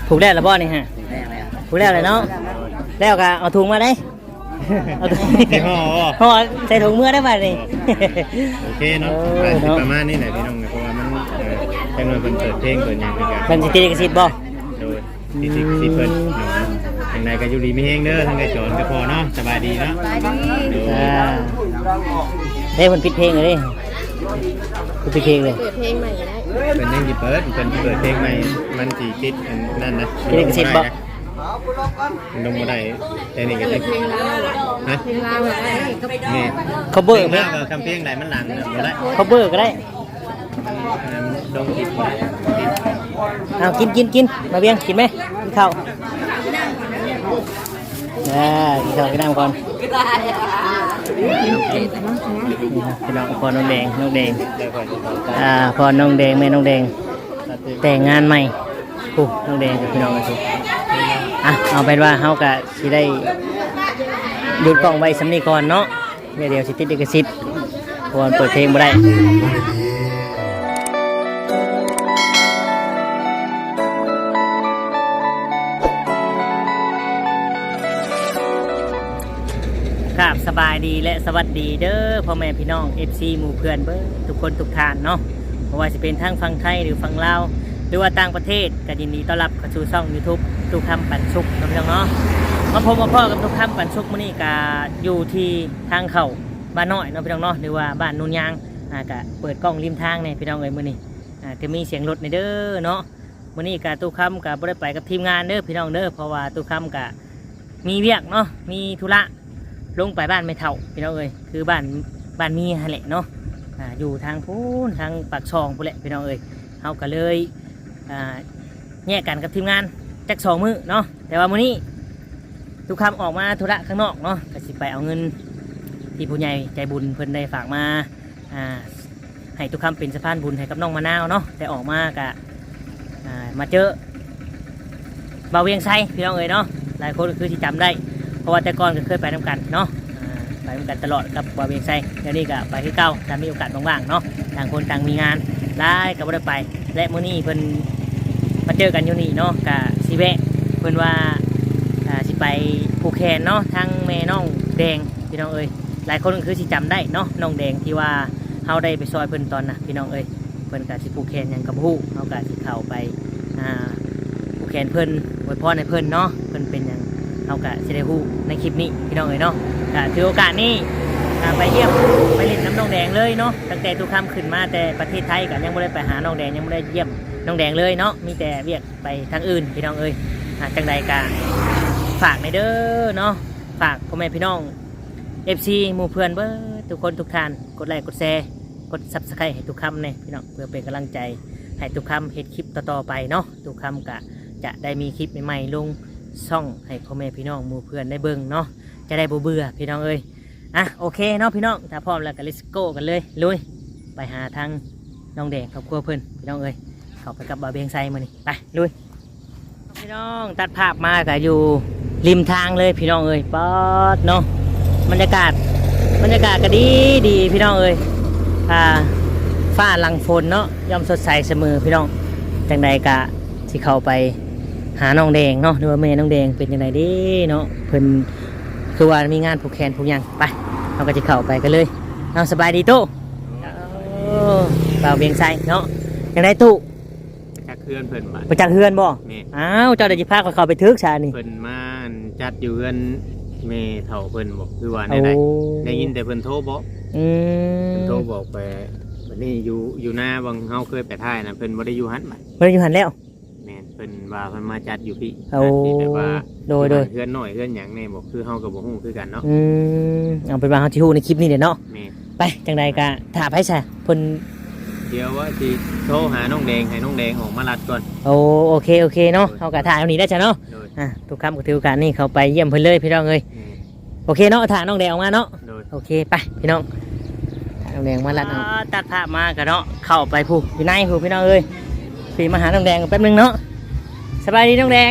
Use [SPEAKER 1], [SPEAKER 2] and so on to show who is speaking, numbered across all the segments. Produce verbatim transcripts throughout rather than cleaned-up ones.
[SPEAKER 1] ถูกแล้วละบ่นี่ฮะถูกแล้วเลยเนาะแล้วก็เอาถุงมาได้เอาถุงห่อใส่ถุงมือได้ป่ะนี่
[SPEAKER 2] โอเคเนาะประมาณนี้แหละพี่น้องเพราะว่ามันแค่หน่อยเพิ่นเปิดเพลงเปิดหยังคือกัน
[SPEAKER 1] เป็นสิทธิลิขสิทธิ์บ่
[SPEAKER 2] โดยสิทธิลิขสิทธิ์เพิ่นทางใดก็อยู่ดีมีแฮงเด้อทางใดจอนก็พอเนาะสบายดีเนาะสบายดี
[SPEAKER 1] อ่าเด้เพิ่นปิดเพลงเลยเพิ่นปิดเพลงเลย
[SPEAKER 3] เปิดเพลงใหม่ได้
[SPEAKER 2] เพิ่นยังสิเปิดเพิ่นเปิดเพลงใหม่มันสิติดนั่นนะ
[SPEAKER 1] ลิขสิทธิ์บ่
[SPEAKER 2] ลงบ่ได้แต่นี่ก็ได้
[SPEAKER 3] เพลงลาวฮะเพลงลาวอะไร
[SPEAKER 2] นี่
[SPEAKER 1] cover
[SPEAKER 2] เพลงลาวคำเพลงใดมันหลังบ่ได้
[SPEAKER 1] cover ก็ได้
[SPEAKER 2] ลงผิดบ่ได้
[SPEAKER 1] เอากินกินกินมาเบียงกินไหมกินข้าวอ่ากินข้าวกินน้ำก่อนพี่น้องพอน้องแดงน้องแดงอ่าพอน้องแดงแม่น้องแดงแต่งงานใหม่ปุ๊บน้องแดงกับพี่น้องกันทุกอ่ะเอาเป็นว่าเฮากะสิได้หยุดกล้องไว้สำนีก่อนเนาะเดี๋ยวเดี๋ยวสิติดลิขสิทธิ์เพราะว่าเปิดเพลงบ่ได้ครับสบายดีและสวัสดีเด้อพ่อแม่พี่น้อง เอฟ ซี หมู่เพื่อนเบอร์ทุกคนทุกท่านเนาะไม่ว่าจะเป็นทั้งฝั่งไทยหรือฝั่งลาวหรือว่าต่างประเทศก็ยินดีต้อนรับเข้าสู่ช่อง YouTube ทุกคำปันสุกนะพี่น้องเนาะมาพบมาพ่อกับทุกคำปันสุกมื้อนี้ก็อยู่ที่ทางเข้าบ้านน้อยเนาะพี่น้องเนาะหรือว่าบ้านนุ่นยางอ่าก็เปิดกล้องริมทางเนี่ยพี่น้องเอ้ยมื้อนี้อ่าจะมีเสียงรถในเด้อเนาะมื้อนี้ก็ทุกคำก็บ่ได้ไปกับทีมงานเด้อพี่น้องเด้อเพราะว่าทุกคำก็มีเวียกเนาะมีธุระลงไปบ้านไม่เท่าพี่น้องเอ้ยคือบ้านบ้านมีฮะแหละเนาะอ่าอยู่ทางพูนทางปากซองพูนแหละพี่น้องเอ้ยเขาก็เลยอ่าแยกกันกับทีมงานจักสองมื้อเนาะแต่ว่ามื้อนี้ทุกคำออกมาธุระข้างนอกเนาะก็สิไปเอาเงินที่ผู้ใหญ่ใจบุญเพิ่นได้ฝากมาอ่าให้ทุกคำเป็นสะพานบุญให้กับน้องมะนาวเนาะแต่ออกมากะอ่ามาเจอเบาเวียงไซพี่น้องเอ้ยเนาะหลายคนคือที่จำได้เพราะว่าแต่ก่อนก็เคยไปทำกันเนาะไปทำกันตลอดกับบาเบียงไซเดี๋ยวนี้ก็ไปที่เก้าถ้ามีโอกาสว่างๆเนาะต่างคนต่างมีงานได้ก็บ่ได้ไปและมื้อนี้เพิ่นมาเจอกันอยู่นี่เนาะกับสิแวะเพิ่นว่าสิไปผูกแขนเนาะทั้งแม่น้องแดงพี่น้องเอ้ยหลายคนคือสิจำได้เนาะน้องแดงที่ว่าเฮาได้ไปซอยเพิ่นตอนน่ะพี่น้องเอ้ยเพิ่นก็สิผูกแขนหยังกับฮู้เฮาก็สิเข้าไปอ่าผูกแขนเพิ่นอวยพรให้เพิ่นเนาะเพิ่นเป็นหยังเอากะจะได้ฮู้ในคลิปนี้พี่น้องเอ๋ยเนาะกะถือโอกาสนี้ไปเยี่ยมไปเล่นน้ำน้องแดงเลยเนาะตั้งแต่ทุกคำขึ้นมาแต่ประเทศไทยก็ยังไม่ได้ไปหาน้องแดงยังไม่ได้เยี่ยมน้องแดงเลยเนาะมีแต่เรียกไปทางอื่นพี่น้องเอ๋ยจังใดกะฝากในเด้อเนาะฝากพ่อแม่พี่น้อง เอฟ ซี หมู่เพื่อนเบอร์ทุกคนทุกท่านกดไลค์กดแชร์กดซับสไครต์ให้ทุกคำเนี่ยพี่น้องเพื่อเป็นกำลังใจให้ทุกคำเห็นคลิปต่อๆไปเนาะทุกคำกะจะได้มีคลิปใหม่ๆลงช่องให้พ่อแม่พี่น้องหมู่เพื่อนได้เบิ่งเนาะจะได้บ่เบื่อพี่น้องเอ้ยอ่ะโอเคเนาะพี่น้องถ้าพร้อมแล้วก็ let's go กันเลยลุยไปหาทางน้องแดงครอบครัวเพื่อนพี่น้องเอ้ยเข้าไปกับบาเบียงไซมานี่ไปลุยพี่น้องตัดภาพมาก็อยู่ริมทางเลยพี่น้องเอ้ยป๊อดเนาะบรรยากาศบรรยากาศก็ดีดีพี่น้องเอ้ยอ่าฟ้าหลังฝนเนาะย่อมสดใสเสมอพี่น้องจังใดกะที่เข้าไปหาน้องแดงเนาะหรือว่าแม่น้องแดงเป็นยังไงดีเนาะเพิ่นคือว่ามีงานผูกแขนผูกยังไปเราก็จะเข้าไปกันเลยน้องสบายดีตู้เปล่าเบียงไซเนาะยังไงตู้
[SPEAKER 2] จักเฮือนเพิ่นมา
[SPEAKER 1] ไปจักเฮือนบ่อ้าวเจ้าเดี๋ยวจะพาเขาไปทึกชานี่
[SPEAKER 2] เพิ่นมาจัดอยู่เฮือนแม่เฒ่าเพิ่นบอกคือว่าได้ได้ยินแต่เพิ่นโทรบอก
[SPEAKER 1] อืม
[SPEAKER 2] เพิ่นโทรบอกไปวันนี้อยู่อยู่หน้าบางเฮาเคยไปถ่ายนะเพิ่นบ่ได้อยู่หันบัด
[SPEAKER 1] บ่ได้อยู่หันแล้ว
[SPEAKER 2] เพิ่นว่าเพิ่นมาจัดอยู่พี่
[SPEAKER 1] ที่
[SPEAKER 2] แบบว่า
[SPEAKER 1] โดยโดย
[SPEAKER 2] เพื่อนหน่อยเพื่อนหยังแน่บอกคือเฮากับบ่ฮู้คือกันเนาะ
[SPEAKER 1] อืมเอาเป็นว่าเฮาสิฮู้ในคลิปนี้เด้อเนาะไปจังใดก็ถ้าไผซะเพิ่น
[SPEAKER 2] เดี๋ยวว่าสิโทรหาน้องแดงให้น้องแดงออกมารัดก่อน
[SPEAKER 1] โอ้โอเคโอเคเนาะเฮาก็ถ่ายเอานี้ได้จ้ะเนาะอ่ะทุกคำก็ถือโอกาสนี่เข้าไปเยี่ยมเพิ่นเลยพี่น้องเอ้ยโอเคเนาะถ่ายน้องแดงออกมาเนาะโอเคไปพี่น้องถ่ายน้องแดงมารัดเอาตัดภาพมาก็เนาะเข้าไปผู้อยู่ในผู้พี่น้องเอ้ยพี่มาหาน้องแดงแป๊บนึงเนาะสบายดีน้องแดง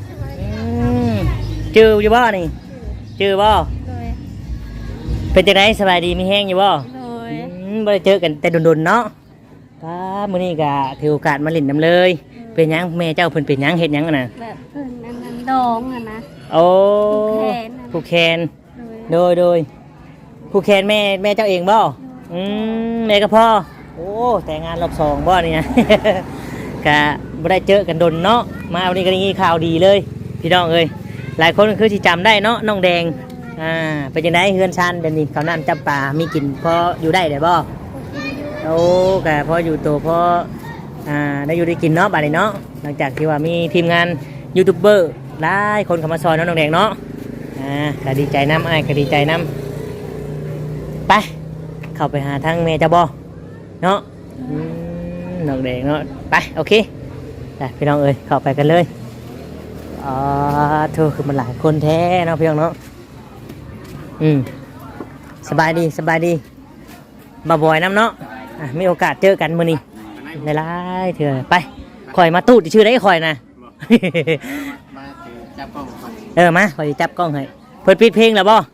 [SPEAKER 1] จืออยู่บ่นี่จือบ่เป็นจังไดสบายดีมีแห้งอยู่บ่บ่ได้เจอกันแต่โดนๆเนาะป้ามื้อนี้ก็ถือโอกาสมาเล่นน้ำเลยเป็นหยังแม่เจ้าเพิ่นเป็นหยังเฮ็ดหยังอะน่ะ
[SPEAKER 3] แบบเพิ่นอันนั้นดองอะนะ
[SPEAKER 1] โอ้
[SPEAKER 3] ผูกแขนน่ะ
[SPEAKER 1] ผูกแขน
[SPEAKER 3] โดย
[SPEAKER 1] โดยโดยผู้แคนแม่แม่เจ้าเองบ่อืมแม่ก็พ่อโอ้แต่งงานรอบสองบ่นี่นะ กะบ่ได้เจอกันดนเนาะมาวันนี้ก็ได้ยินข่าวดีเลยพี่น้องเอ้ยหลายคนก็คือสิจำได้เนาะน้องแดงอ่าเป็นจังไดเฮือนชันเดี๋ยวนี้ข้าวน้ำจับปลามีกินพออยู่ได้ได้บ่โอ้กะพออยู่โตพออ่าได้อยู่ได้กินเนาะบัดนี้เนาะหลังจากที่ว่ามีทีมงานยูทูบเบอร์หลายคนเข้ามาซอยน้องแดงเนาะอ่าก็ดีใจน้ำอ้ายก็ดีใจน้ำไปเข้าไปหาทางเมย์จะบอเนาะอืมน้องแดงเนาะไปโอเคไปพี่น้องเอ้ยเข้าไปกันเลยอ๋อเธอคือมันหลายคนแท้เนาะพี่น้องเนาะอืมสบายดีสบายดีบ่บ่อยน้ำเนาะอ่ะมีโอกาสเจอกันมื้อนี้ในไลน์เถื่อไปคอยมาตู้ชื่อได้คอยนะ
[SPEAKER 2] มาจับกล้องก่อน
[SPEAKER 1] เออมาคอยสิจับกล้องให้เพิ่นปิดเพลงแล้วบ่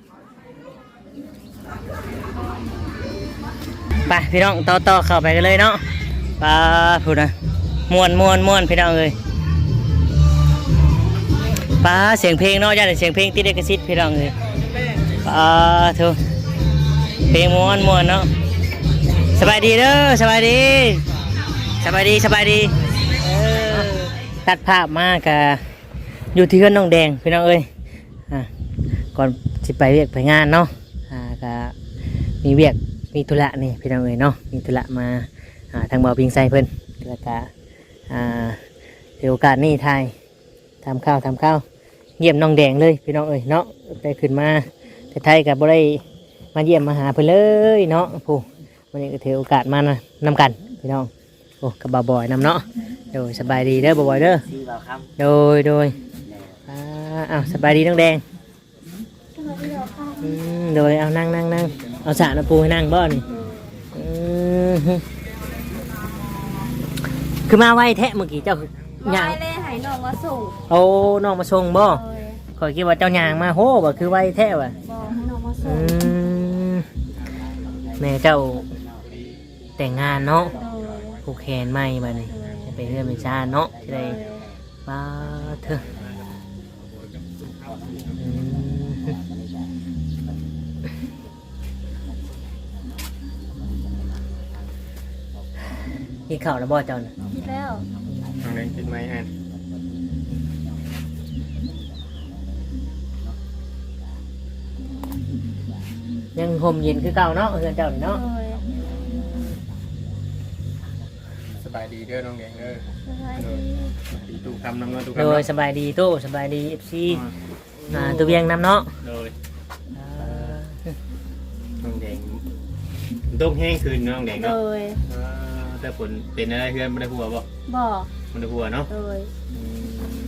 [SPEAKER 1] ไปพี่น้องต่อต่อเข้าไปกันเลยเนาะปาพูดนะม่วนม่วนม่วนพี่น้องเอ้ยปาเสียงเพลงเนาะย่าแต่เสียงเพลงติดเอกสิทธิ์พี่น้องเอ้ยปาเถอะเพลงม่วนม่วนเนาะสบายดีเด้อสบายดีสบายดีสบายดีเออตัดภาพมากะอยู่ที่เพื่อนน้องแดงพี่น้องเอ้ยอ่ะก่อนสิไปเวียกไปงานเนาะอ่ากะมีเวียกมีธุระนี่พี่น้องเอ้ยเนาะมีธุระมาอ่าทางบ่อพิงไซเพิ่นแล้วก็อ่าถือโอกาสนี่ทายทำข้าวทำข้าวเยี่ยมน้องแดงเลยพี่น้องเอ้ยเนาะได้ขึ้นมาแต่ไทยกับบ่ได้มาเยี่ยมมาหาเพิ่นเลยเนาะผู้วันนี้ก็ถือโอกาสมานำกันพี่น้องโอ้กับบ่าวบอยนำเนาะโดยสบายดีเด้อบ่าวบอยเด้อโดยโดยอ่าอ้าวสบายดีน้องแดงอืมโดยเอานั่งนั่งนั่งเอาสระน้ำปูให้นั่งบ่นี่อืมคือมาไวแทะเมื่อกี้เจ้า
[SPEAKER 3] บ่ได้เลยให้น้องมาส่ง
[SPEAKER 1] โอ้น้องมาส่งบ่
[SPEAKER 3] โดย
[SPEAKER 1] ข่อยคิดว่าเจ้ายางมาโหบ่คือไวแท้ว่ะ
[SPEAKER 3] บ่ให้น้องมาส่
[SPEAKER 1] อื
[SPEAKER 3] ง
[SPEAKER 1] มแม่เจ้าแต่งงานเนาะ
[SPEAKER 3] โดย
[SPEAKER 1] ผูกแขนไหมบัดนี้จะไปเรื่อยไปชาเนาะจะได้ป้าเถอะอืมกินข้าวแล้วบ่เจ้าน่ะ
[SPEAKER 3] คิดแล้ว
[SPEAKER 2] ทางเดินคิดไหมอัน
[SPEAKER 1] ยังห่มเย็นคือเก่าเนาะเฮือนเจ้านี่
[SPEAKER 3] โด
[SPEAKER 1] เนาะ
[SPEAKER 3] ย
[SPEAKER 2] สบายดีเด้อน้องแดงเด้อ
[SPEAKER 3] สบายดี
[SPEAKER 2] ดีตู้คำน้ำเงินตู้
[SPEAKER 1] โด
[SPEAKER 2] คำ
[SPEAKER 1] ย
[SPEAKER 2] เนาะ
[SPEAKER 1] สบายดีโตสบายดีเอฟซีอ่าตัวเวียงน้ำเนาะ
[SPEAKER 2] โดย
[SPEAKER 1] อ่า
[SPEAKER 2] น้องแดงต้องแห้งคืนน้องแดง
[SPEAKER 3] โด
[SPEAKER 2] เนาะ
[SPEAKER 3] ย
[SPEAKER 2] เออแต่ผลเป็นอะไรเพื่อนไม่ได้หัวบ่
[SPEAKER 3] บ่
[SPEAKER 2] ไม่ได้หัวเนาะ
[SPEAKER 3] โดย
[SPEAKER 2] อืม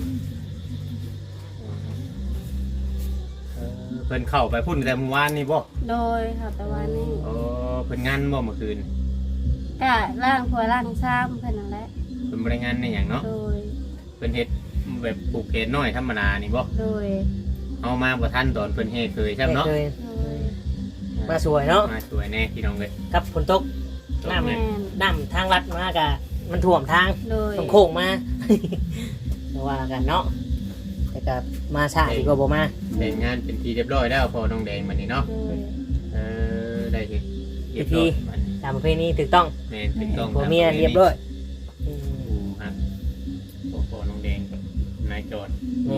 [SPEAKER 2] เออเพิ่นเข้าไปพุ่นแต่เมื่อวานนี่บ่
[SPEAKER 3] โดยค่ะแต่ว่านี่
[SPEAKER 2] โอ้เพิ่นงานบ่เมื่อคืน
[SPEAKER 3] ก็ล่างผัวล่างซ้ำเพิ่นนั่นแหละ
[SPEAKER 2] เพิ่นบ่ได้งานในหยังเนาะ
[SPEAKER 3] โดย
[SPEAKER 2] เพิ่นเฮ็ดแบบปลูกเขตน้อยธรรมดานี่บ่
[SPEAKER 3] โดย
[SPEAKER 2] เอามาบ่ทันตอนเพิ่นเฮ็ดเคยใช่เนาะ
[SPEAKER 1] เคย
[SPEAKER 3] โดย
[SPEAKER 1] มาสวยเนาะ
[SPEAKER 2] มาสวยแน่พี่น้องเอ้ย
[SPEAKER 1] กับฝนตกน้
[SPEAKER 3] แม่น
[SPEAKER 1] ำน้ำทางลัดมากะมันท่วมทาง
[SPEAKER 3] โดย
[SPEAKER 1] ต้องโค้งมา แต่ว่ากันเนาะแต่ก็มาช้าดีกว่าบ่มา
[SPEAKER 2] แต่งงานเป็นที่เรียบร้อยแล้วพอน้องแดงบัดนี้เนาะ
[SPEAKER 3] โดย
[SPEAKER 2] เออได้เฮ็ดเรียบร้อยบัดนี้
[SPEAKER 1] ตามประเพณีถูกต้อง
[SPEAKER 2] แม่นถูกต้อง
[SPEAKER 1] ผัวเมียเรียบร้อยอืม
[SPEAKER 2] อืมครับพอพอน้องแดงกับนายจอด
[SPEAKER 1] แม่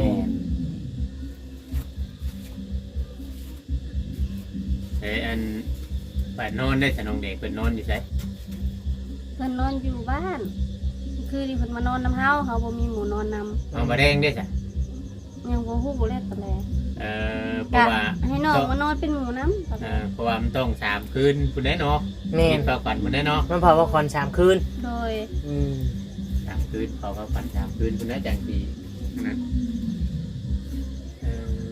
[SPEAKER 2] เอ้ยอันไปนอนได้แต่น้องแดงเพิ่นนอนอยู่ไส
[SPEAKER 3] เพิ่นนอนอยู่บ้าน คือที่เพิ่นมานอนน้ำเฮาเขาบ่มีหมูนอนนำ
[SPEAKER 2] เอาบ่แดงได้จ้ะ
[SPEAKER 3] ยังบ่ฮู้บ่แลกปานใด
[SPEAKER 2] เออเพ
[SPEAKER 3] กะ
[SPEAKER 2] ราะว่า
[SPEAKER 3] ให้น้องมานอนเป็นหมูน้ำปาน
[SPEAKER 2] เอ
[SPEAKER 3] ใด
[SPEAKER 2] อเพราะว่ามันต้องสามคืนพุ่นได้เนาะ
[SPEAKER 1] แม่
[SPEAKER 2] กินข้าวฝันพุ่นได้เนาะ
[SPEAKER 1] มันเผาว่าคอนสามคืน
[SPEAKER 3] โดย
[SPEAKER 1] อืม
[SPEAKER 2] สามคืนเขาข้าวฝันสามคืนพุ่นได้จังดีนั่นเอ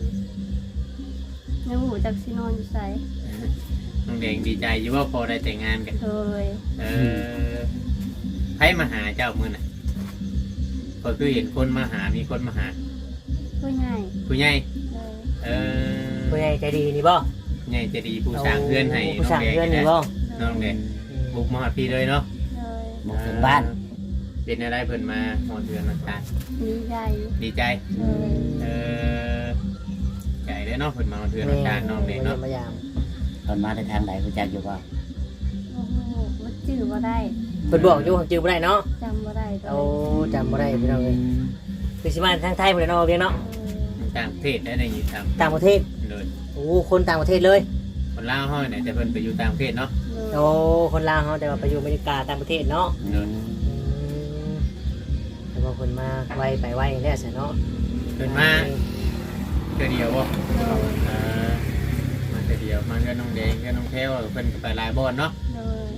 [SPEAKER 2] อ
[SPEAKER 3] ยังหูจักสินอนอยู่ไส
[SPEAKER 2] น้องแดงดีใจอยู่ว่าพอได้แต่งงานกัน
[SPEAKER 3] โดย
[SPEAKER 2] เออใครมาหาเจ้ามื้อน่ะก็คือเห็นคนมาหามีคนมาหา
[SPEAKER 3] ผู้ใหญ่
[SPEAKER 2] ผู้ใหญ่
[SPEAKER 3] โดย
[SPEAKER 2] เออ
[SPEAKER 1] ผู้ใหญ่ใจดีนี่บ่
[SPEAKER 2] ผู้ใหญ่จะดีผู้สร้างเพื่อนให้
[SPEAKER 1] ผู้
[SPEAKER 2] น้อ
[SPEAKER 1] สร้าง
[SPEAKER 2] งแดง
[SPEAKER 1] เพื่อนนี่
[SPEAKER 2] นะ
[SPEAKER 1] บ่
[SPEAKER 2] น้องแดงบุกมาหาพี่เลยเนาะ
[SPEAKER 3] โดย
[SPEAKER 1] บุกถึงบ้าน
[SPEAKER 2] เเป็นอะไรเพิ่นมาหอดเดือนน้ำตาล
[SPEAKER 3] ดีใจ
[SPEAKER 2] ดีใจ
[SPEAKER 3] เลย
[SPEAKER 2] เออใจได้เนาะเพิ่นมาหอดเดือนน้ำตาลน้องเด็กเนาะ
[SPEAKER 1] มายาม
[SPEAKER 4] ตอนมาในทางไหนรู้จักอยู่บ่
[SPEAKER 3] โอ้โหมันจื้อบ่ได้
[SPEAKER 1] เพิ่นบอกอยู่ของจื้อบ่ได้เนาะ
[SPEAKER 3] จำบ่ได้ตัว
[SPEAKER 1] เอาจำบ่ได้พี่น้องเอ้ยคือสิมาทางไทยบ่ได้เนาะเพียงเนาะ
[SPEAKER 2] ต่างประเทศได้ในยินท
[SPEAKER 1] ต่างประเทศ
[SPEAKER 2] ำเลย
[SPEAKER 1] โอ้คนต่างประเทศเลย
[SPEAKER 2] คนลาวห้อยไหนแต่เพิ่นไปอยู่ต่างประเทศเนาะ
[SPEAKER 3] เลย
[SPEAKER 1] โอ้คนลาวเฮาแต่ว่าไปอยู่อเมริกาต่างประเทศเนาะ
[SPEAKER 2] เลย
[SPEAKER 1] อืมแต่ว่าคนมาไวไปไวแน่ซะเนาะ
[SPEAKER 2] เพิ่นมาเทื่อเดียวบ่
[SPEAKER 3] เลย
[SPEAKER 2] เออมาเทื่อเดียวมากับน้องแดงกับน้องแพ้วเพิ่นก็ไปหลายบ่อนเนาะ
[SPEAKER 3] เลย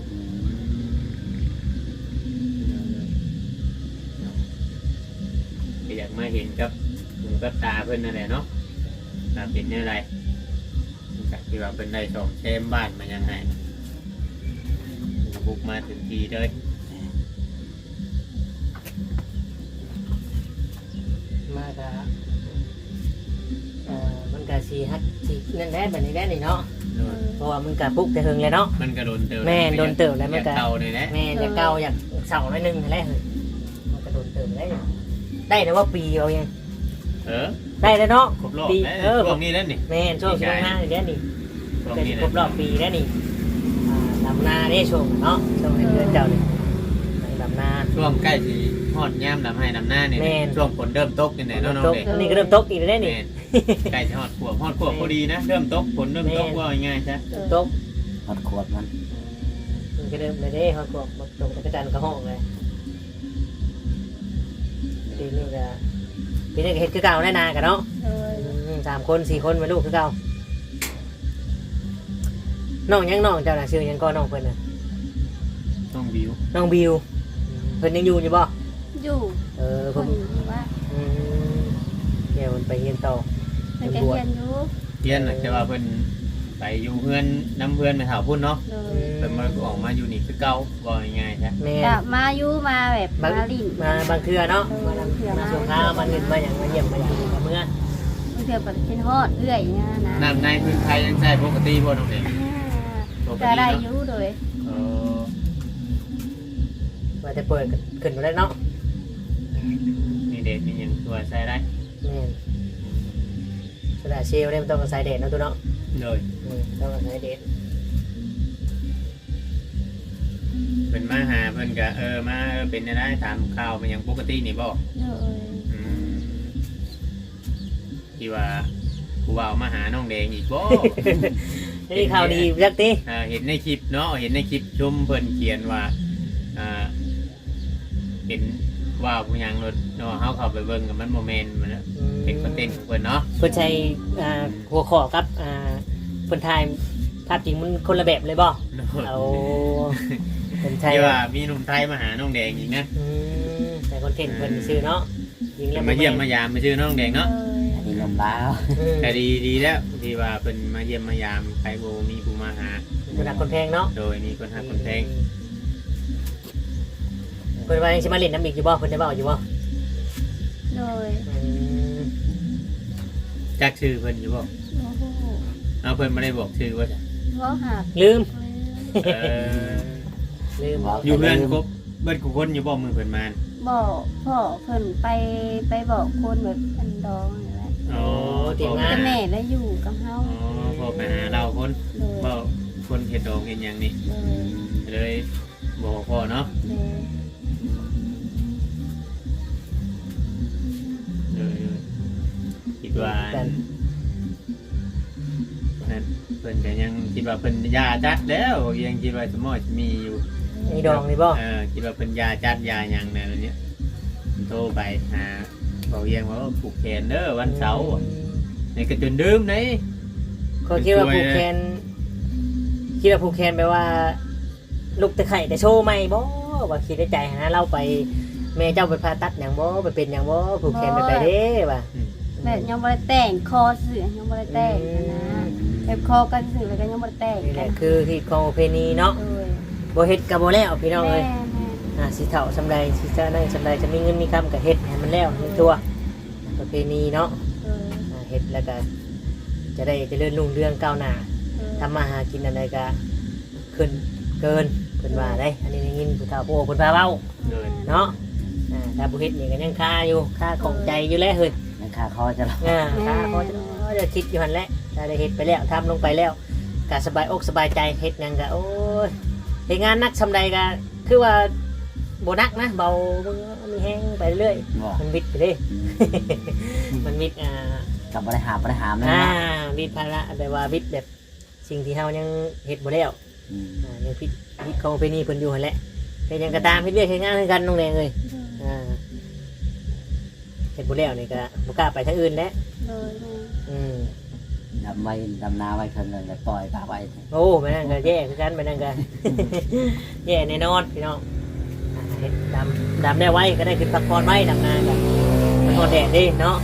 [SPEAKER 2] ก็อยากมาเห็นกับหูกับตาเพิ่นนั่นแหละเนาะตาเป็นยังไงจากที่ว่าเป็นได้สองแชมบ้านมายังไงบุกมาถึงทีเลย
[SPEAKER 1] มาก็เอ่อมันก็สิฮัดสินั่นแหละบัดนี้แหละนี่เนาะเพราะว่ามันก็ปลุกแต่เฮิงแล้วเนาะ
[SPEAKER 2] มันก็โดนเติม
[SPEAKER 1] แม่นโดนเติมแล้วมันก็
[SPEAKER 2] อยาเตาเลยนะ
[SPEAKER 1] แม่อยากเก่าอยากเสาหน่อยหนึงนั่นแหละมันก็โดนเติมได้ได้แต่ว่าปีเอายัง
[SPEAKER 2] เออ
[SPEAKER 1] ได้แล้วเนาะ
[SPEAKER 2] ครบรอบ
[SPEAKER 1] ปี
[SPEAKER 2] แล้ว
[SPEAKER 1] เออ
[SPEAKER 2] ช่วงนี้แล้วนี่
[SPEAKER 1] แม่นช่วงสิบห้าเดือนนี่
[SPEAKER 2] ช่วง
[SPEAKER 1] เป็น
[SPEAKER 2] นี้
[SPEAKER 1] ครบรอบปีแล้วนี่อ่าดำนาได้ช่วงเนาะช่วงในเดือนเจ้านี่ดำนา
[SPEAKER 2] ช่วงใกล้สิฮอดย่ำดำให้ดำหน้านี่
[SPEAKER 1] แม่น
[SPEAKER 2] ช่วงฝนเริ่มตกนี่แหละเนาะน้อง
[SPEAKER 1] ตก
[SPEAKER 2] เด็ก
[SPEAKER 1] อันนี้ก็เริ่มตกอีกแล้วนี่
[SPEAKER 2] แม่นใกล้จะฮอดขวบฮอดขวบพอดีนะเริ่มตกฝนเริ่มตก
[SPEAKER 1] แม่น
[SPEAKER 2] ว่าง่ายๆซะ
[SPEAKER 1] ตก
[SPEAKER 4] ฮอดขวบมัน
[SPEAKER 1] มันก็เริ่มเลยเด้เขาบอกมาตกตะกจันกระห้องเลยปีนี้ก็ปีนี้ก็เฮ็ดคือเก่าแน่นากันเนาะ
[SPEAKER 3] เลย
[SPEAKER 1] อืมสามคนสี่คนมาลูกคือเก่าน้องยังน้องเจ้าน่ะชื่อยังก็น้องเพิ่นน่ะ
[SPEAKER 2] ช่วงวิว
[SPEAKER 1] น้องบิวเพิ่นยังอยู่อยู่บ่
[SPEAKER 3] อยู่
[SPEAKER 1] เออ
[SPEAKER 3] ค
[SPEAKER 1] เพิ่
[SPEAKER 3] น
[SPEAKER 1] น
[SPEAKER 3] อยู่ว่า
[SPEAKER 1] อืมเดี๋ยวมันไปเรียนต่อ
[SPEAKER 3] เป็นกระเทียนอยู่
[SPEAKER 2] เรียนน่ะแต่ว่าเพิ่นไปอยู่เพื่อนน้ำเพื่อนไปหาพุ่นเนาะ
[SPEAKER 3] เลย
[SPEAKER 2] เพิ่นมาออกมาอยู่นี่คือเก่าว่าง่ายๆซะ
[SPEAKER 1] แม่
[SPEAKER 3] กะมาอยู่มาแบบ
[SPEAKER 1] บาง
[SPEAKER 3] มาลิ่น
[SPEAKER 1] มาบางเทื่อเนาะ
[SPEAKER 3] เออ
[SPEAKER 1] มานำ
[SPEAKER 3] เทื่อ
[SPEAKER 1] มา
[SPEAKER 3] มา
[SPEAKER 1] ส่งข้าวมาเล่นมาอย่างมาเยี่ยมมาอย่างมาเมื่อ
[SPEAKER 3] เพื่อแบบเป็นฮอดเอื้อยเนี่ยนะ
[SPEAKER 2] น้ำในพื้นไทยยังใช้ปกติบ่น้องเด็ก
[SPEAKER 3] ก็ได้อยู่โดย
[SPEAKER 2] เออ
[SPEAKER 1] ว่าจะเปิดขึ้นมาได้เนาะ
[SPEAKER 2] มีเด็ดมีหยังตัวใช้ได้
[SPEAKER 1] แม่นโซดาเชลเนี่ยมันต้องอาศัยแดดเนาะตัวเนาะ
[SPEAKER 2] เลย
[SPEAKER 1] อืมต้องอาศัยแดด
[SPEAKER 2] เพิ่นมาหาเพิ่นก็เออมาเออเป็นได้ถามข่าวมันยังปกตินี่บ่
[SPEAKER 3] เลย
[SPEAKER 2] อืมที่ว่าผู้บ่าวมาหาน้องแดงอีกบ่
[SPEAKER 1] นี่ข่าวดีจักติ
[SPEAKER 2] อ่าเห็นในคลิปเนาะเห็นในคลิปชุมเพิ่นเขียนว่าอ่าเห็นว่าผู้หยังรถเนาะเฮาเข้าไปเบิ่งกับมันโมเมนต์มันนะเป็นคอนเทนต์ของเพิ่นเนาะ
[SPEAKER 1] เพิ่นใช้อ่าหัวข้อกับอ่าเพิ่นถ่ายภาพจริงมันคนละแบบเลยบ่เอาเพิ่นใช้
[SPEAKER 2] ที่ว่ามีหนุ่มไทยมาหาน้องแดงอีกนะ
[SPEAKER 1] อืมใส่คอนเทนต์เพิ่นซื้อเนาะยิงแล้ว
[SPEAKER 2] มาเยี่ยมมายามมาชื่อน้องแดงเนาะ
[SPEAKER 4] อันนี้ลมบ้าว
[SPEAKER 1] อืม
[SPEAKER 2] แต่ดีดีแล้วที่ว่าเป็นมาเยี่ยมมายามใครโบมีผู้มาหา
[SPEAKER 1] คนหักคนแพงเนาะ
[SPEAKER 2] โดยมีคนหาคนแพง
[SPEAKER 1] เพิ่นว่ายังสิมาเล่นน้ำอีกอยู่บ่เพิ่นได้เว้าอยู่บ่
[SPEAKER 3] เลย
[SPEAKER 1] อืม
[SPEAKER 2] จักชื่อเพิ่นอยู่บ่
[SPEAKER 3] โอ้โห
[SPEAKER 2] เอาเพิ่นไม่ได้บอกชื่อว่าจ้ะ
[SPEAKER 3] เพราะหัก
[SPEAKER 1] ลืม
[SPEAKER 2] เออ
[SPEAKER 1] ลืม
[SPEAKER 2] อยู่เพื่อนครบเบิดกูคนอยู่บ่มือเพิ่นมา
[SPEAKER 3] บอกพ่อเพิ่นไปไปบอกคนแบบอันดองนี่แหละ
[SPEAKER 2] อ๋อ
[SPEAKER 3] แต่แม่แล้วอยู่กับเฮา
[SPEAKER 2] อ๋อพอไปหาเราคน
[SPEAKER 3] เลย
[SPEAKER 2] บ่คนเฮ็ดดองเฮ็ดหยังนี่
[SPEAKER 3] เลย
[SPEAKER 2] เลยบอกพ่อเนาะ
[SPEAKER 3] เลย
[SPEAKER 2] เลยคิดว่านั่นเพิ่นก็ยังคิดว่าเพิ่นยาจัดแล้วยังคิดว่าสมอจะมีอยู่
[SPEAKER 1] มีดองนี่บ่
[SPEAKER 2] เออคิดว่าเป็นยาจัดยาหยังเนี่ยเนี้ยโทรไปหาบอกเยังว่าผูกแขนเด้อวันเสาร์ในกระจุนดื่มไหน
[SPEAKER 1] เขาคิดว่าผูกแขนคิดว่าผูกแขนแปลว่า ลูกตะไคร่แต่โชว์ใหม่บ่ว่าคิดในใจนะเราไปแม่เจ้าไปผ่าตัดหยังบ่ไปเป็นหยังบ่ผูกแขนไปไปเด้ว่ะ
[SPEAKER 3] แบบยังบ่ได้แต่งคอเสือยังบ่ได้แต่งนะแบบคอกันสื่อแล้วก็ยังบ่ได้แต่ง
[SPEAKER 1] นี่แห
[SPEAKER 3] กั
[SPEAKER 1] ละ
[SPEAKER 3] น
[SPEAKER 1] คือที่ของประเพณีเนาะ
[SPEAKER 3] เลย
[SPEAKER 1] บ่เฮ็ดก็บ่แล้วพี่น้อง
[SPEAKER 3] แม่
[SPEAKER 1] เอ้ย
[SPEAKER 3] แม่
[SPEAKER 1] อ่าสิเฒ่าสำใดสิจะนั่งสำใดจะมีเงินมีคำก็เฮ็ดให้มันแล้วในตัวประเพณีเนาะ
[SPEAKER 3] เลย
[SPEAKER 1] อ่าเฮ็ดแล้วก็จะได้เจริญรุ่งเรืองก้าวหน้าทำมาหากินอะไรก็ขึ้นเกินเพิ่นว่าได้ อันนี้ได้ยินผู้เฒ่าผู้โอ้เพิ่นพาเว้า
[SPEAKER 2] เลย
[SPEAKER 1] เนาะอ่าถ้าบุเฮ็ดนี่ก็ยังคาอยู่คาของใจอยู่แล้วเฮ้ย
[SPEAKER 4] มันคาคอจะหรอ
[SPEAKER 1] อ่าคาเขาจะจะคิดอยู่หันแหละถ้าได้เฮ็ดไปแล้วทำลงไปแล้วก็สบายอกสบายใจเฮ็ดหยังก็โอ้ยเฮ็ดงานนักซำใดก็คือว่าบ่นักนะเบามีแห้งไปเรื่อย
[SPEAKER 4] บ่
[SPEAKER 1] มันวิดไปเด้ มันวิดอ่า
[SPEAKER 4] กับบริหารบริหารนั่น
[SPEAKER 1] อ่า
[SPEAKER 4] นะ
[SPEAKER 1] วิดภาระแบบว่าวิดแบบสิ่งที่เฮายังเฮ็ดบ่แล้ว
[SPEAKER 4] อืม
[SPEAKER 1] อ่ายังพิดพิดของไปนี่เพิ่นอยู่หั่นแหละเฮ็ดหยังก็ตามเฮ็ดเวียกเฮ็ดงานคือกันน้องแดงเอ้ยอ่าเฮ็ดบ่แล้วนี่ก็บ่กล้าไปทางอื่นแล้ว
[SPEAKER 3] เลยแม่
[SPEAKER 1] อืม
[SPEAKER 4] ดำไว้ดำนาไว้คนหนึ่งแล้วปล่อยปลาไว้
[SPEAKER 1] โอ้ไปนั่นก็แย่คือกันไปนั่นก็ แย่แน่นอนพี่น้องอ่าเฮ็ดดำดำได้ไว้ก็ได้ขึ้นพักผ่อนไว้ดำนาก็มันฮอดแดดเด้เนาะ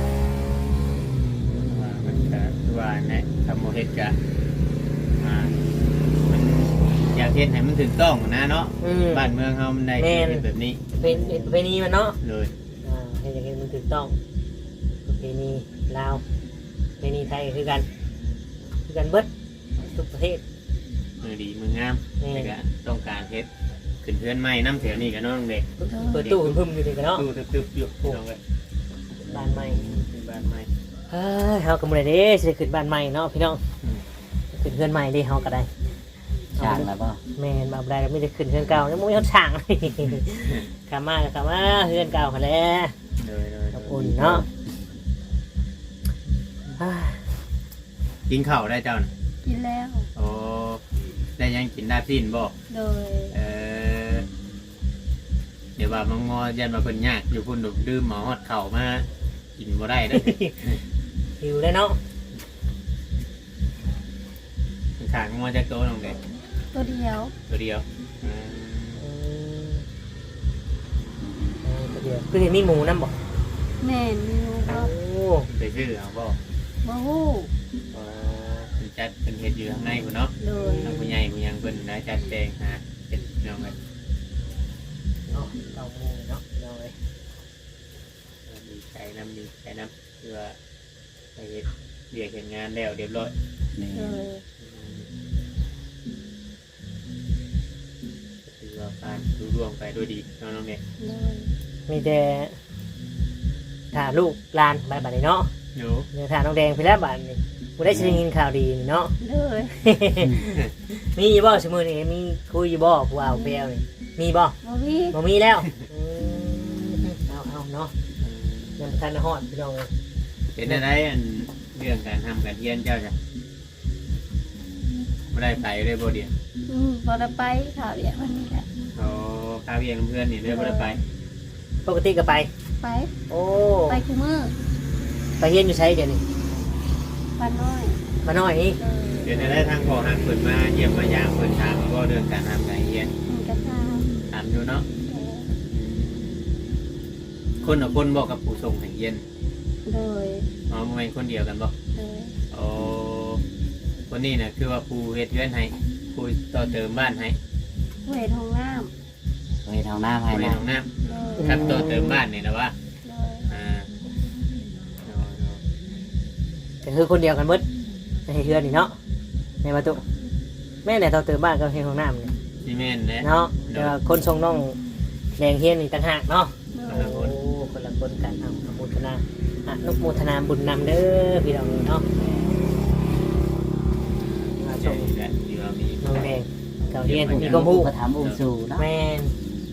[SPEAKER 2] ว่ามันก็คือว่าเนี่ยทำโมเฮ็ดกะอ่ามันอยากเฮ็ดให้มันถูกต้องนะเนาะ
[SPEAKER 1] อืม
[SPEAKER 2] บ้านเมืองเฮามันได้
[SPEAKER 1] แม่น
[SPEAKER 2] เฮ็ดแบบนี้
[SPEAKER 1] เป็นประเพณีมันเนาะ
[SPEAKER 2] เลย
[SPEAKER 1] อ่าให้อย่างนี้มันถูกต้องประเพณีลาวประเพณีไทยก็คือกันคือกันเบิดทุกประเทศ
[SPEAKER 2] มือดีมืองาม
[SPEAKER 1] แม่น
[SPEAKER 2] แต่ก็ต้องการเฮ็ดขึ้นเพื่อนใหม่น้ำแถวนี้ก็น้องเด็ก
[SPEAKER 1] เปิดตู้พึ่มอยู่นี่กันเนาะ
[SPEAKER 2] ตู้ตึบๆอยู่น้องเอ้ย
[SPEAKER 1] บ้านใหม่
[SPEAKER 2] เป็นบ้านใหม่
[SPEAKER 1] เฮ้ยเฮาก็บ่ได้เด้สิได้ขึ้นบ้านใหม่เนาะพี่น้อง
[SPEAKER 2] อืม
[SPEAKER 1] ขึ้นเพื่อนใหม่เด้เฮาก็ได้
[SPEAKER 4] ช่างแล้วป่ะ
[SPEAKER 1] แม่นบ่ได้แล้วมีแต่ขึ้นเพื่อนเก่าแล้วบ่มีเฮาช่าง กลับมาก็กลับมาเพื่อนเก่าหั่นแหละ
[SPEAKER 2] เลยเลย
[SPEAKER 1] ขอบคุณเนาะเฮ้ย
[SPEAKER 2] กินข้าวได้เจ้าน่ะ
[SPEAKER 3] กินแล้ว
[SPEAKER 2] โอ้ได้ยังกินได้สิ้นบ่
[SPEAKER 3] โดย
[SPEAKER 2] เออเดี๋ยวว่ามังงอยันมาเพิ่นยากอยู่พุ่นดดื่มหมอฮอดเข่ามากินบ่ได้เด้อ
[SPEAKER 1] หิวได้เนาะ
[SPEAKER 2] ขางงอจากโตน้องเด็ก
[SPEAKER 3] ตัวเดียว
[SPEAKER 2] ตัวเดียวอืม
[SPEAKER 1] อืมเออเดี๋ยวคือเห็นมีหมูนำบ่
[SPEAKER 3] แม่นมีลูก
[SPEAKER 1] โอ้
[SPEAKER 3] บ่
[SPEAKER 2] ไปซื้อเอาบ่
[SPEAKER 3] บ่ฮู้
[SPEAKER 2] เออเพิ่นจัดเพิ่นเฮ็ดอยู่ข้างในพุ่นเนาะ
[SPEAKER 3] เลย
[SPEAKER 2] ทางผู้ใหญ่ผู้ยังเพิ่นได้จัดแจงหาเฮ็ดน้องเอ้ย
[SPEAKER 1] เนาะเต้าหมูเนาะเอาเลย
[SPEAKER 2] ดีใจนำดีใจนำคือว่าไปเฮ็ดเรียกเฮ็ดงานแล้วเรียบร้อย
[SPEAKER 4] นี่
[SPEAKER 3] เลย
[SPEAKER 2] ถือว่าการดูร่วงไปด้วยดีเนาะน้องเด็ก
[SPEAKER 3] เลย
[SPEAKER 1] มีแต่ถ่าลูกหลานบายบายเนาะ
[SPEAKER 2] หนู
[SPEAKER 1] เดี๋ยวถ่าน้องแดงไปแล้วบาดนี่กูได้ชินข่าวดีนี่เนาะ
[SPEAKER 3] เลย
[SPEAKER 1] มีอยู่บ่สมือนี่มีคุยอยู่บ่ผู้เอาเปลวนี่มีบ่
[SPEAKER 3] บ่มี
[SPEAKER 1] บ่มีแล้วอืมเอาเอาเนาะยังบ่ทันได้ฮอดพี่น้องเอ้ย
[SPEAKER 2] เป็นอะไรอันเรื่องการทำการเรียนเจ้าจ้ะไม่ได้ไปเลยบ่เดียว
[SPEAKER 3] อืมบ่ได้ไปข่าวเดียววันนี้แหละ
[SPEAKER 2] เขาข้าวเรียนเพื่อนนี่เลยบ่ได้ไป
[SPEAKER 1] ปกติก็ไป
[SPEAKER 3] ไป
[SPEAKER 1] โอ้
[SPEAKER 3] ไปคุมือ
[SPEAKER 1] ไปเฮียนอยู่ไสเดี๋ยวนี้
[SPEAKER 3] บ้านน้อย
[SPEAKER 1] มาน้อยนี่
[SPEAKER 3] เลย
[SPEAKER 2] เดี๋ยวได้ทางพ่อหักเปิดมาเยี่ยมมายามเปิดถามก็เรื่องการทำการเรียน
[SPEAKER 3] มันก็ทราบ
[SPEAKER 2] ถามอยู่เนาะ
[SPEAKER 3] แต่
[SPEAKER 2] คนกับคนบอกกับผู้ส่งให้เรียน
[SPEAKER 3] เลย
[SPEAKER 2] อ๋อบ่แม่นคนเดียวกันบ่
[SPEAKER 3] เลย
[SPEAKER 2] โอ้คนนี้น่ะคือว่าผู้เฮ็ดเรือนให้ผู้ต่อเติมบ้านให้
[SPEAKER 3] เวทห้องน้
[SPEAKER 4] เฮ้ยทางหน้าภาย
[SPEAKER 2] ผู้
[SPEAKER 4] ใน
[SPEAKER 2] เฮ็ดห้องน้
[SPEAKER 3] ำเลย
[SPEAKER 2] ำครับต่อเติมบ้านนี่นะว่า
[SPEAKER 3] เลย
[SPEAKER 2] อ่าโอ้โห
[SPEAKER 1] ก็คือคนเดียวกันเบิดในเฮือนนี่เนาะในประตูแม่ไหนเตาเติมบ้านก็เฮียนของน้ำนี่
[SPEAKER 2] ซีเมนต์เนี่ย
[SPEAKER 1] เนาะแต่ว่าคนทรงน้องแดงเฮียนนี่ต่างหากเนาะ
[SPEAKER 3] เลย
[SPEAKER 1] โอ้คนละคนกันเอาอนุโมทนาอนุโมทนาบุญนำเด้อพี่น้องเนาะมาช
[SPEAKER 2] ใช่
[SPEAKER 1] ม
[SPEAKER 2] และที่ว่ามี
[SPEAKER 1] น้องแดงเก่าเฮียนมีความรู้
[SPEAKER 4] ก็ถามองค์สู่เนาะ
[SPEAKER 1] แม่น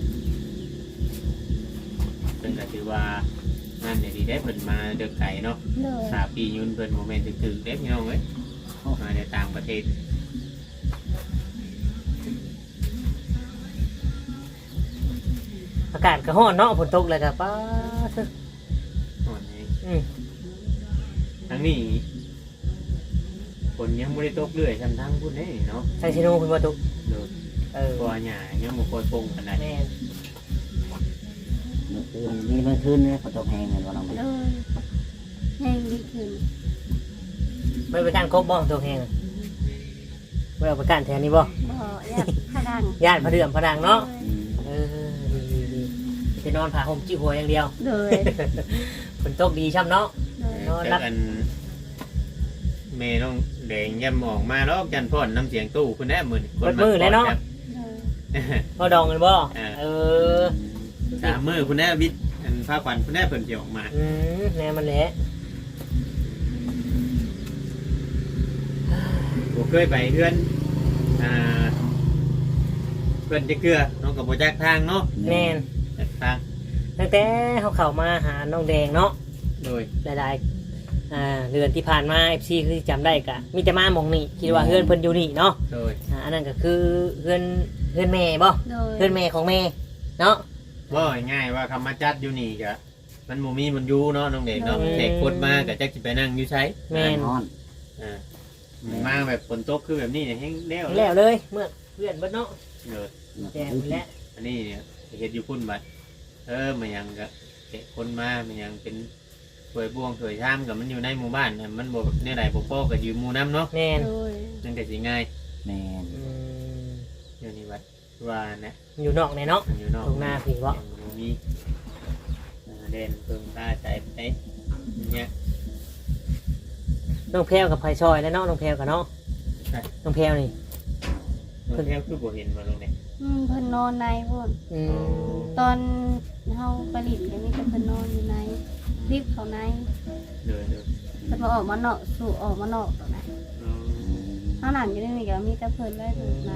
[SPEAKER 2] เป็นก็ถือว่านั่นเนี่ยดีได้เพิ่นมาเดือกไก่เนาะ
[SPEAKER 3] เลย
[SPEAKER 2] สาปียุนเพิ่นโมเมนต์ถึกๆเด็กพี่น้องเอ้ยมาในต่างประเทศ
[SPEAKER 1] อากาศก็ร้อนเนาะฝนตกเลยครับป้าเถอะ
[SPEAKER 2] อ่อนเอง
[SPEAKER 1] อืม
[SPEAKER 2] ทั้งนี้ฝนยังไม่ได้ตกเรื่อยทำทั้งพุ่นนี่เนาะ
[SPEAKER 1] ใส่ชิโนคุณประตู
[SPEAKER 2] โดย
[SPEAKER 1] เออ
[SPEAKER 2] ตัวหญ้ายังบ่ค่อยปงปานใด
[SPEAKER 1] แม่น
[SPEAKER 4] เมื่อคืนนี่เมื่อคืนนี่ฝนตกแห้งเหมือนว่าน้อง
[SPEAKER 3] เล
[SPEAKER 4] เด็ก
[SPEAKER 3] ยแห้งดีขึ้น
[SPEAKER 1] ไม่ไปการครบบ่ตัวแหงไม่เอาไปการแทนนี่บ่
[SPEAKER 3] บ่อยากขดัง
[SPEAKER 1] ญาติพระเดือมพระดังเนาะ
[SPEAKER 4] อืม
[SPEAKER 1] เออดีดีดีจะนอนผ่าห่มจิ้วหัวอย่างเดียว
[SPEAKER 3] เลย
[SPEAKER 1] ฝนตกดีช่ำเนาะ
[SPEAKER 3] เลย
[SPEAKER 1] นอนรับ
[SPEAKER 2] แต่กันเมน้องแดงย่ำออกมาแล้วจันพ่อนน้ำเสียงตู้คุณแน่มือนี่คน
[SPEAKER 1] เบิดมือแล้วเนาะ
[SPEAKER 2] ครับ
[SPEAKER 3] เลย
[SPEAKER 1] พอดองกันบ่
[SPEAKER 2] อ่า
[SPEAKER 1] เออ
[SPEAKER 2] สามมื้อคุณแน่วิทย์อันพาขวัญคุณแน่เพิ่นสิออกมา
[SPEAKER 1] อืมแน่มันแหละ
[SPEAKER 2] บ่เคยไปเฮือนอ่าเพิ่นจะเกลือน้องก็บ่จักทางเนาะ
[SPEAKER 1] แม่น
[SPEAKER 2] จักทาง
[SPEAKER 1] ตั้งแต่เขาเข้ามาหาน้องแดงเนาะ
[SPEAKER 2] โดย
[SPEAKER 1] หลายๆอ่าเดือนที่ผ่านมา เอฟ ซี คือจำได้กะมีแต่มาหมองนี่คิดว่าเฮือนเพิ่นอยู่นี่เนาะ
[SPEAKER 2] โดย
[SPEAKER 1] อ่าอันนั้นก็คือเฮือนเฮือนแม่บ่
[SPEAKER 3] โดย
[SPEAKER 1] เฮือนแม่ของแม่เนาะ
[SPEAKER 2] ว่าง่ายๆว่าคำมาจัดอยู่นี่ก็มันบ่มีมันอยู่เนาะน้องเด็กเนาะ
[SPEAKER 1] อืม
[SPEAKER 2] เด็กคนมาก็จักสิไปนั่งอยู่ใช้
[SPEAKER 1] แม่น
[SPEAKER 4] นอน
[SPEAKER 2] อ่ามาแบบฝนตกคือแบบนี้เนี่ยแห้งแล้ว
[SPEAKER 1] แล้วเลยเมื่อเพื่อนเบิดเนาะ
[SPEAKER 2] เออ
[SPEAKER 1] แจ้งแล้ว
[SPEAKER 2] อันนี้เนี่ยเฮ็ดอยู่พุ่นบัดเออมันยังก็เด็กคนมามันยังเป็นถวยบ่วงถวยชามกับมันอยู่ในหมู่บ้านน่ะมันบ่แบบแนวใดบ่พอก็ยืมหมู่น้ำเนาะ
[SPEAKER 1] แม่น
[SPEAKER 3] โดย
[SPEAKER 2] นั่นก็สิง่าย
[SPEAKER 4] แม่น
[SPEAKER 1] อืม
[SPEAKER 2] อยู่นี่วัดว่านะ
[SPEAKER 1] อยู่นอกในเนาะ
[SPEAKER 2] อยู่นอก
[SPEAKER 1] ตรงหน้าพี่บ่
[SPEAKER 2] บ่มีอ่าเด่นเพิ่งตาใจไปเนี่ย
[SPEAKER 1] น้องแพรวกับไผ่ซอยแล้วเนาะน้องแพรวกับเนาะ
[SPEAKER 2] ใช่
[SPEAKER 1] น้องแพรวนี่
[SPEAKER 2] เพิ่นแค่คือบ่เห็นมาลงเนี่ย
[SPEAKER 3] อืมเพิ่นนอนในพุ่น
[SPEAKER 1] อืม
[SPEAKER 3] ตอนเฮาไปลินก็มีแต่เพิ่นนอนอยู่ในรีบเขาใน
[SPEAKER 2] เดินเดิน
[SPEAKER 3] เพิ่นมาออกมานอกสู่ออกมานอกตรงไหนเฮานั่งอยู่ในนี่ก็มีแต่เพิ่นได้อยู่ใน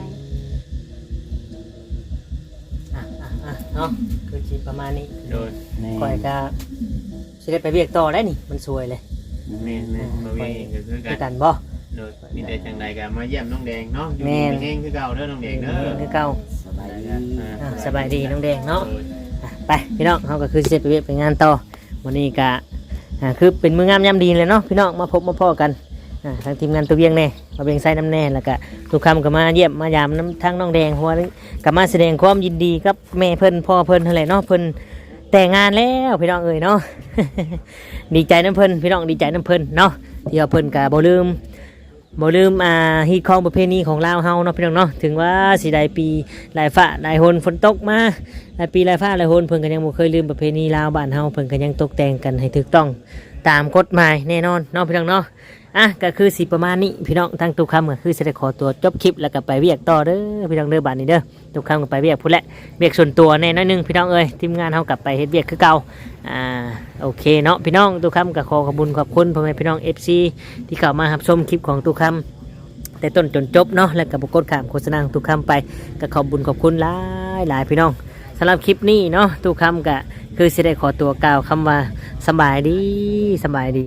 [SPEAKER 1] อ่ะอ่ะอ่ะเนาะคือสิประมาณนี้
[SPEAKER 2] โดน
[SPEAKER 4] แม่
[SPEAKER 1] ก่อยก็สิได้ไปเวียกต่อได้นี่มันสวยเลย
[SPEAKER 2] แม่แม่มาเวียนก็คือ
[SPEAKER 1] คือ
[SPEAKER 2] กั
[SPEAKER 1] กัน นบ่
[SPEAKER 2] โดนมีแต่จังใดก็มาเยี่ยมน้องแดงเนาะอยู่
[SPEAKER 1] แม่
[SPEAKER 2] ดีมีแห้งคือเก่าเด้อน้องแดงเด้อ
[SPEAKER 1] คือเก่า
[SPEAKER 4] สบายดี
[SPEAKER 1] อ่ะสบายดีน้องแดงเนาะอ่ะไปพี่น้องเขาก็คือสิได้ไปเวียกไปงานต่อวันนี้ก็อ่าคือเป็นมืองามยามดีเลยเนาะพี่น้องมาพบมาพ่อกันอ่าทางทีมงานตัวเวียงแน่มาเวียงไซน้ำแน่แล้วก็ทุกคำก็มาเยี่ยมมายามน้ำทั้งน้องแดงเพราะว่าก็มาแสดงความยินดีกับแม่เพิ่นพ่อเพิ่นเท่าไหร่เนาะเพิ่นแต่งงานแล้วพี่น้องเอ้ยเนาะ ดีใจน้ำเพิ่นพี่น้องดีใจน้ำเพิ่นเนาะที่ว่าเพิ่นก็บ่ลืมบ่ลืมอ่าฮีตของประเพณีของลาวเฮาเนาะพี่น้องเนาะถึงว่าสิได้ปีหลายฟ้าหลายหนฝนตกมาหลายปีหลายฟ้าหลายหนเพิ่นก็ยังบ่เคยลืมประเพณีลาวบ้านเฮาเพิ่นก็ยังตกแต่งกันให้ถูกต้องตามกฎหมายแน่นอนเนาะพี่น้องเนาะอ่ะก็คือสิประมาณนี้พี่น้องทั้งทุกคำก็คือสิได้ขอตัวจบคลิปแล้วก็ไปเวียกต่อเด้อพี่น้องเด้อบ้านนี้เด้อทุกคำก็ไปเวียกพุ่นแหละเวียกส่วนตัวแน่น้อยหนึงพี่น้องเอ้ยทีมงานเฮากลับไปเฮ็ดเวียกคือเก่าอ่าโอเคเนาะพี่น้องทุกคำก็ขอขอบคุณขอบคุณพ่อแม่พี่น้อง เอฟ ซี ที่เข้ามารับชมคลิปของทุกคำแต่ต้นจนจบเนาะแล้วก็บ่กดข้ามโฆษณาของทุกคำไปก็ขอบคุญขอบคุณหลายหลายพี่น้องสำหรับคลิปนี้เนาะทุกคำก็คือสิได้ขอตัวกล่าวคำว่าสบายดีสบายดี